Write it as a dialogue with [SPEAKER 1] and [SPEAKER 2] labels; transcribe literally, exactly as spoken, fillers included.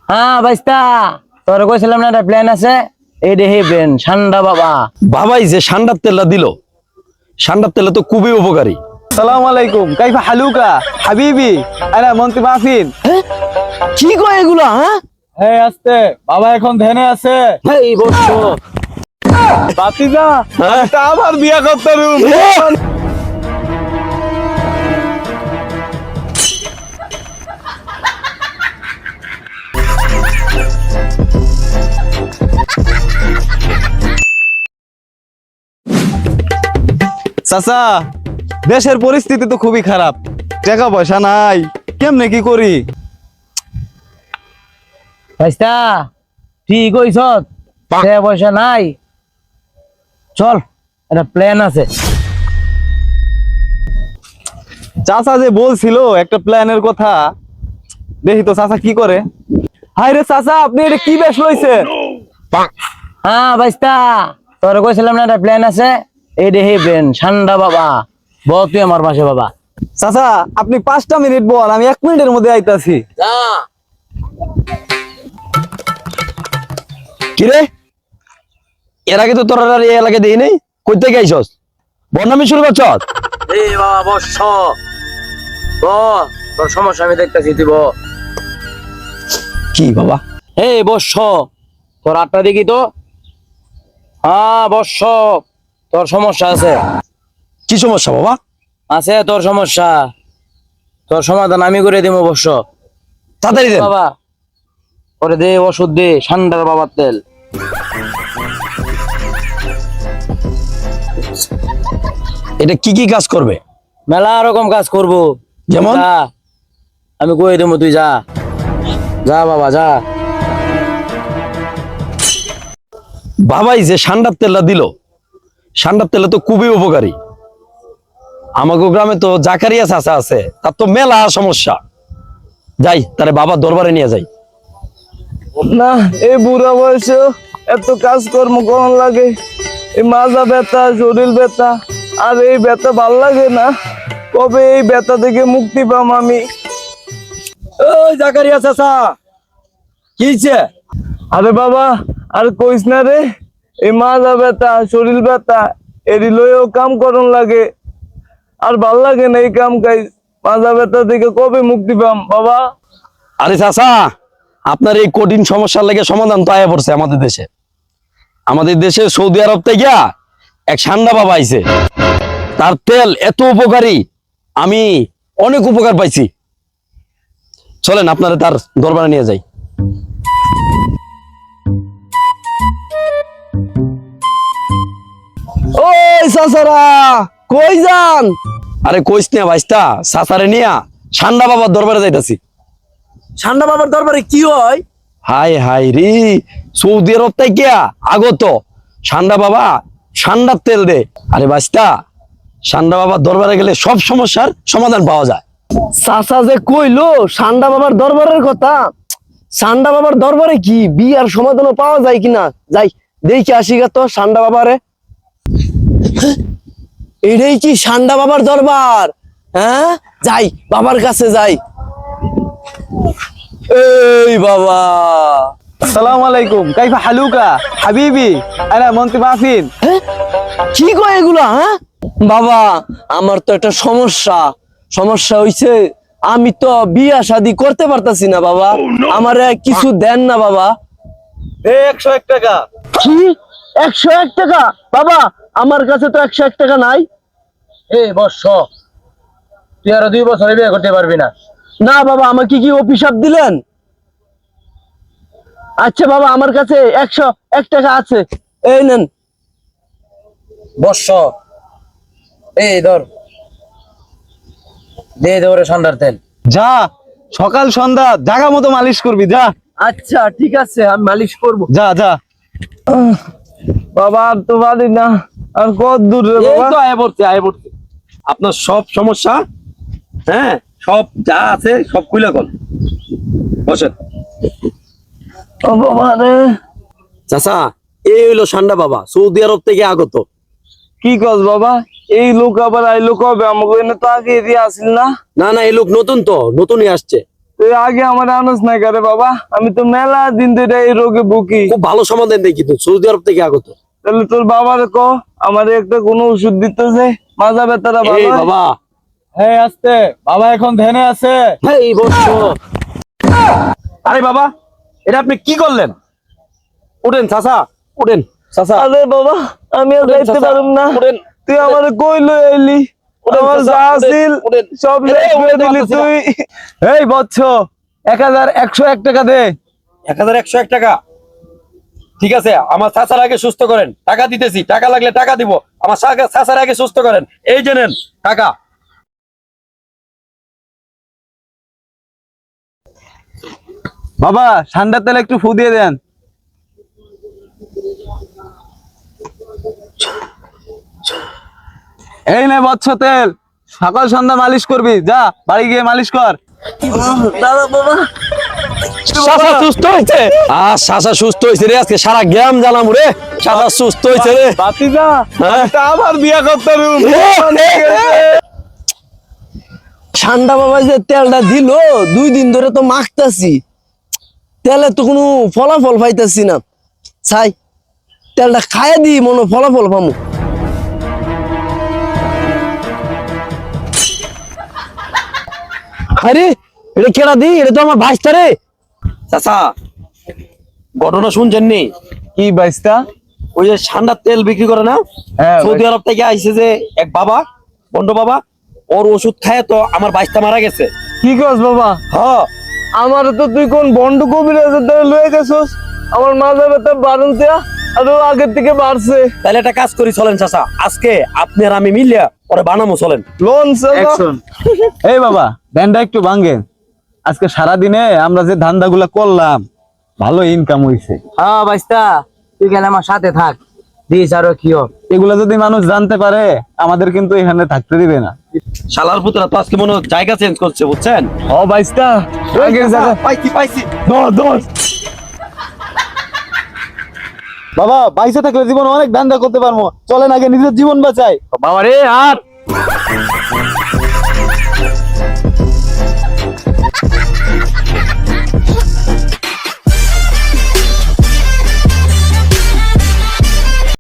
[SPEAKER 1] হ্যাঁ বাইস্তা, তোর কইছিলাম না একটা প্ল্যান আছে, এই দেখি প্ল্যান ঠান্ডা বাবা।
[SPEAKER 2] বাবাই যে সান্ডার তেলটা দিল, সান্ডার তেলটা তো খুবই উপকারী।
[SPEAKER 3] সালাম আলাইকুম, কাইফা হালুকা হাবিবি, আরে মন্ত্রী মাহফিল।
[SPEAKER 1] কি কয় এগুলা? হ্যাঁ
[SPEAKER 3] হ্যাঁ আসতে বাবা এখন ধ্যানে আছে।
[SPEAKER 1] এই বর্ষ
[SPEAKER 3] বাতিজা এটা আবার বিয়া করতে রুম। চাচা, দেশের পরিস্থিতি তো খুবই খারাপ, টাকা পয়সা নাই, কেমনে কি করি?
[SPEAKER 1] বাইস্তা ঠিক কইছ, টাকা পয়সা নাই, চল একটা প্ল্যান আছে।
[SPEAKER 3] চাচা যে বলছিল একটা প্ল্যানের কথা, দেখি তো চাচা কি করে। হাই রে চাচা, আপনি এটা কি বেশ লইছেন?
[SPEAKER 1] হ্যাঁ বাইস্তা, তোর কইছিলাম না একটা প্ল্যান আছে, এই দেখি প্ল্যান ঠান্ডা বাবা। বল তুই আমার পাশে বাবা।
[SPEAKER 3] চাচা আপনি পাঁচটা মিনিট বল, আমি এক মিনিটের মধ্যে আইতাছি।
[SPEAKER 2] কিরে, এর আগে তো তোর আর এই এলাকায় দেই নাই, কই থেকে আইছস? বদনামি শুরু করছস?
[SPEAKER 1] এই বাবা বর্ষ, ব তোর সমস্যা আমি দেখতেছি, তুই ব।
[SPEAKER 2] কি বাবা?
[SPEAKER 1] এই বর্ষ, তোর আটটা দেখি তো। হ্যাঁ বর্ষ, তোর সমস্যা আছে।
[SPEAKER 2] কি সমস্যা বাবা?
[SPEAKER 1] আছে তোর সমস্যা, তোর সমাধান আমি করে দিব বর্ষ।
[SPEAKER 2] তাড়াতাড়ি দেন
[SPEAKER 1] বাবা ওরে দে ওষুধ দে, ঠান্ডার বাবার তেল।
[SPEAKER 2] এটা কি কি কাজ করবে?
[SPEAKER 1] মেলা রকম কাজ করব।
[SPEAKER 2] যেমন?
[SPEAKER 1] যা, আমি কই দেবো, তুই যা যা বাবা যা।
[SPEAKER 2] বাবাই যে সান্ডার তেলটা দিল, সান্ডার তেলটা তো খুবই উপকারী। আমাগো গ্রামে তো জাকারিয়া চাচা আছে, তার তো মেলা সমস্যা। যাই তারে বাবার দরবারে নিয়ে যাই।
[SPEAKER 3] না, এই বুড়া বয়সে এত কাজকর্ম করার লাগে, এই মাজা ব্যথা, শরীর ব্যথা, আর এই ব্যথা ভাল লাগে না। কবে এই ব্যথা থেকে মুক্তি পাম আমি?
[SPEAKER 2] ওই জাকারিয়া চাচা, কি হইছে?
[SPEAKER 3] আরে বাবা আর কইস না রে, এই মাজা ব্যথা, শরীর ব্যথা, এরি লইও কাম করন লাগে, আর ভাল লাগে না এই কাম কাজ। মাজা ব্যথা থেকে কবে মুক্তি পাম বাবা?
[SPEAKER 2] আরে চাচা, আপনার এই কঠিন সমস্যার লেগে সমাধান তো আয়া পড়ছে আমাদের দেশে। আমাদের দেশে সৌদি আরব থেকে এক সান্ডা বাবা আইছে, তার তেল এত উপকারী, আমি অনেক উপকার পাইছি। চলেন আপনারা তার দরবারে নিয়ে যাই।
[SPEAKER 3] ওই চাচারা কই যান?
[SPEAKER 2] আরে কইস না ভাইস্তা, চাচারে নিয়া সান্ডা বাবার দরবারে যাইতাছি।
[SPEAKER 1] ঠান্ডা বাবার দরবারে কি হয়?
[SPEAKER 2] হাই হাই রে, সৌদি আরব থেকে আগত সান্ডা বাবা সান্ডার তেল দে। আরে ভাইস্তা, সান্ডা বাবার দরবারে গেলে সব সমস্যার সমাধান পাওয়া যায়।
[SPEAKER 3] চাচা যে কইলো সান্ডা বাবার দরবারের কথা, সান্ডা বাবার দরবারে কি বিয়ার সমাধানও পাওয়া যায় কিনা? যাই দেখি আসি গা তো সান্ডা বাবারে। এটাই কি সান্ডা বাবার দরবার? হ্যাঁ যাই, বাবার কাছে যাই। এই বাবা, আসসালামু আলাইকুম, কাইফা হালুকা হাবিবি, আরে মন্ত্রী মাহফিল। কি কয় এগুলা? হ্যাঁ বাবা, আমার তো একটা সমস্যা সমস্যা হইছে, আমি তো বিয়া শাদি করতে পারতাছি না বাবা, আমারে কিছু দেন না বাবা। একশো এক টাকা। কি একশো এক টাকা? বাবা আমার কাছে তো একশো এক টাকা নাই।
[SPEAKER 1] এই বর্ষ, তুই আরো দুই বছর বিয়ে করতে পারবি না।
[SPEAKER 3] না বাবা, আমাকে কি অভিশাপ দিলেন? আচ্ছা বাবা, আমার কাছে একশো এক টাকা আছে, এই নেন।
[SPEAKER 1] বর্ষ, এই ধর, দে দে ওরে ঠান্ডার তেল।
[SPEAKER 3] যা, সকাল সন্ধ্যা জাগা মতো মালিশ করবি, যা।
[SPEAKER 1] আচ্ছা ঠিক আছে, আমি মালিশ করব।
[SPEAKER 3] যা যা। বাবা আর তো পারি না, আর কত দূর রে
[SPEAKER 2] এই
[SPEAKER 3] বাবা?
[SPEAKER 2] তো আয়া পড়ছে, আয়া পড়ছে। আপনার সব সমস্যা, হ্যাঁ সব যা আছে সব খুলে কল, বসেন।
[SPEAKER 3] ও বাবা রে,
[SPEAKER 2] চাচা, এই হইলো সান্ডা বাবা, সৌদি আরব থেকে আগত।
[SPEAKER 3] কি কস বাবা? এই লোক আবার আইলো কবে? আমাকে এনে তো আগে এরিয়া আসিল না।
[SPEAKER 2] না না, এই লোক নতুন তো, নতুনই আসছে।
[SPEAKER 3] তুই আগে আমার আনস নাই করে বাবা, আমি তো মেলা দিন ধরে এই রোগে ভুগি।
[SPEAKER 2] খুব ভালো সমাধান দেখি তো, সৌদি আরব থেকে আগত।
[SPEAKER 3] তাহলে তোর বাবার ক আমার একটা কোনো ওষুধ দিতেছে, মাজা ব্যথাটা ভালো
[SPEAKER 2] এই
[SPEAKER 3] হয়।
[SPEAKER 2] বাবা,
[SPEAKER 3] হ্যাঁ আসতে বাবা এখন ধ্যানে আছে।
[SPEAKER 2] এই বৎস, আরে বাবা, এটা আপনি কি করলেন? উঠেন চাচা, উঠেন চাচা।
[SPEAKER 3] আরে বাবা আমি আর
[SPEAKER 2] উঠেন
[SPEAKER 3] যাইতে
[SPEAKER 2] চাচা,
[SPEAKER 3] পারুম না,
[SPEAKER 2] উঠেন।
[SPEAKER 3] তুই আমার কই লই আইলি,
[SPEAKER 2] উঠেন
[SPEAKER 3] আমার
[SPEAKER 2] চাচা,
[SPEAKER 3] যা
[SPEAKER 2] উঠেন,
[SPEAKER 3] আছিল
[SPEAKER 2] উঠেন।
[SPEAKER 3] সব
[SPEAKER 2] এই,
[SPEAKER 3] শেষ করে
[SPEAKER 2] উঠেন
[SPEAKER 3] দিলি
[SPEAKER 2] চাচা,
[SPEAKER 3] তুই। এই বৎস, এক হাজার একশো এক টাকা দে।
[SPEAKER 2] এক হাজার একশো এক টাকা, ঠিক আছে। আমার চাচার আগে সুস্থ করেন, টাকা দিতেছি, টাকা লাগলে টাকা দিব। আমার চা- চাচার আগে সুস্থ করেন, এই যে নেন টাকা।
[SPEAKER 3] বাবা ঠান্ডার তেলে একটু ফু দিয়ে দেন। এই নে বৎস তেল, সকাল সন্ধ্যা মালিশ করবি, যা বাড়ি গিয়ে মালিশ কর। দাদা বাবা
[SPEAKER 2] চাচা সুস্থ হয়েছে, আহ চাচা সুস্থ হয়েছে রে, আজকে সারা গ্রাম জানাম রে, চাচা সুস্থ হয়েছে রে।
[SPEAKER 3] বাতিজা
[SPEAKER 2] হ্যাঁ?
[SPEAKER 3] তা আবার বিয়া করতে
[SPEAKER 1] ঠান্ডা বাবা যে তেলটা দিল, দুই দিন ধরে তো মাখতাছি, তেলে তো কোনো ফলাফল পাইতাছি না। ছাই তেলটা খাইয়ে দি, মনে হয় ফলাফল পামু। আরে এটা কেডা দি, এটা তো আমার ভাইস্তা রে।
[SPEAKER 2] চাচা ঘটনা শুনছেন নি?
[SPEAKER 3] কি বাইস্তা?
[SPEAKER 2] ওই যে ঠান্ডার তেল বিক্রি করে না,
[SPEAKER 3] হ্যাঁ,
[SPEAKER 2] সৌদি
[SPEAKER 3] ভাই।
[SPEAKER 2] আরব থেকে আইছে যে এক বাবা, বন্ড বাবা, ওর ওষুধ খায় তো আমার বাইশটা মারা গেছে।
[SPEAKER 3] কি কস বাবা?
[SPEAKER 2] হ্যাঁ,
[SPEAKER 3] আমার তো তুই কোন বন্ড কবিরাজের দ্বারা লয়ে গেছস, আমার মাজা ব্যথা বারণ দেয়া আরো আগের থেকে বাড়ছে।
[SPEAKER 2] তাহলে একটা কাজ করি, চলেন চাচা, আজকে আপনি আর আমি মিলিয়া পরে বানামো, চলেন।
[SPEAKER 3] লোন এই বাবা ব্যান্ডটা একটু ভাঙ্গেন, আজকে সারা দিনে আমরা যে ধান্দাগুলা করলাম ভালো ইনকাম হইছে।
[SPEAKER 1] হ্যাঁ বাইস্তা, তুই গেলে আমার সাথে থাক, দিস আরো কিও।
[SPEAKER 3] এগুলা যদি মানুষ জানতে পারে আমাদের কিন্তু এখানে থাকতে দিবে না।
[SPEAKER 2] শালার পুতরা তো আজকে মনে হয় জায়গা চেঞ্জ করছে, বুঝছেন?
[SPEAKER 3] ও বাইস্তা আগের জায়গা
[SPEAKER 2] পাইছি পাইছি।
[SPEAKER 3] বাবা বাইসে থাকলে জীবন অনেক ধান্দা করতে পারবো, চলেন আগে নিজের জীবন বাঁচাই।
[SPEAKER 2] বাবা রে, আর